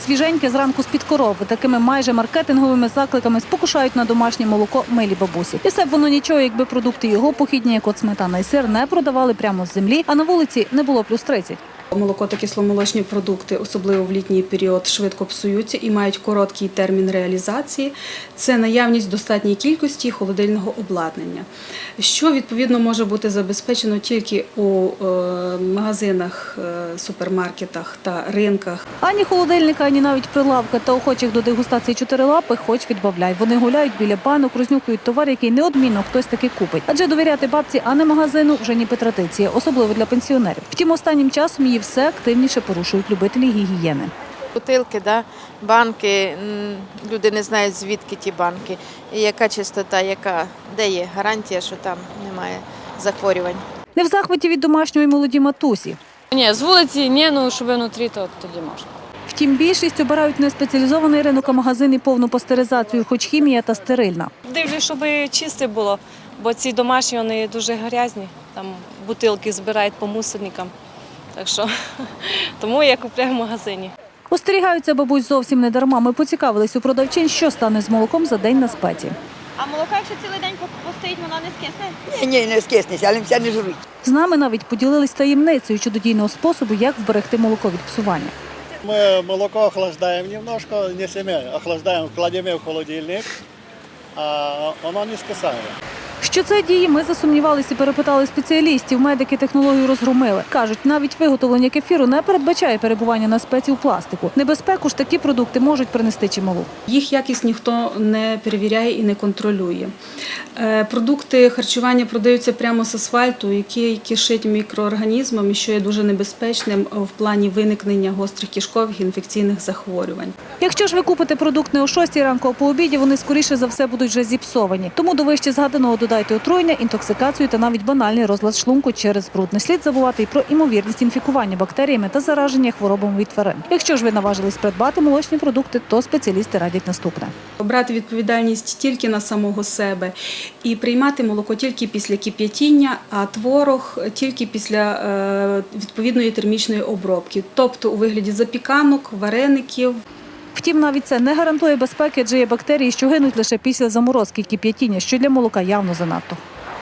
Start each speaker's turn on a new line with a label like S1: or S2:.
S1: Свіженьке зранку з-під корови. Такими майже маркетинговими закликами спокушають на домашнє молоко милі бабусі. І все б воно нічого, якби продукти його похідні, як от сметана і сир, не продавали прямо з землі, а на вулиці не було плюс 30.
S2: Молоко та кисломолочні продукти, особливо в літній період, швидко псуються і мають короткий термін реалізації. Це наявність достатньої кількості холодильного обладнання, що, відповідно, може бути забезпечено тільки у магазинах, супермаркетах та ринках.
S1: Ані холодильника, ані навіть прилавка та охочих до дегустації чотирилапих хоч відбавляй. Вони гуляють біля банок, рознюхують товар, який неодмінно хтось таки купить. Адже довіряти бабці, а не магазину вже ніби традиція, особливо для пенсіонерів. Втім, останнім часом її все активніше порушують любителі гігієни.
S3: Бутилки, банки, люди не знають, звідки ті банки, і яка чистота, де є гарантія, що там немає захворювань.
S1: Не в захваті від домашньої молоді матусі.
S4: Ні, з вулиці ні, щоб внутрі, то тоді можна.
S1: Втім, більшість обирають не спеціалізований ринок, а магазин і повну пастеризацію, хоч хімія та стерильна.
S5: Дивлюсь, щоб чисте було, бо ці домашні, вони дуже грязні, там бутилки збирають по мусорникам, так що тому я купляю в магазині.
S1: Остерігаються бабусь зовсім не дарма. Ми поцікавились у продавчин, що стане з молоком за день на спеці.
S6: А молоко, якщо цілий день постоїть, воно не скисне?
S7: Ні, не скиснеться, але все не жують.
S1: З нами навіть поділились таємницею чудодійного способу, як вберегти молоко від псування.
S8: Мы молоко охлаждаем немножко, не семя, охлаждаем, кладем в холодильник, а оно не скисает.
S1: Що це діє, ми засумнівалися і перепитали спеціалістів. Медики технологію розгромили. Кажуть, навіть виготовлення кефіру не передбачає перебування на спеці у пластику. Небезпеку ж такі продукти можуть принести чималу.
S2: Їх якість ніхто не перевіряє і не контролює. Продукти харчування продаються прямо з асфальту, який кишить мікроорганізмами, що є дуже небезпечним в плані виникнення гострих кишкових інфекційних захворювань.
S1: Якщо ж ви купите продукт не о 6 ранку, а по обіді, вони скоріше за все будуть вже зіпсовані. Тому до вище згаданого додайте отруєння, інтоксикацію та навіть банальний розлад шлунку через бруд. Не слід забувати і про імовірність інфікування бактеріями та зараження хворобами від тварин. Якщо ж ви наважились придбати молочні продукти, то спеціалісти радять наступне.
S2: Брати відповідальність тільки на самого себе і приймати молоко тільки після кип'ятіння, а творог тільки після відповідної термічної обробки, тобто у вигляді запіканок, вареників.
S1: Втім, навіть це не гарантує безпеки, адже є бактерії, що гинуть лише після заморозки і кип'ятіння, що для молока явно занадто.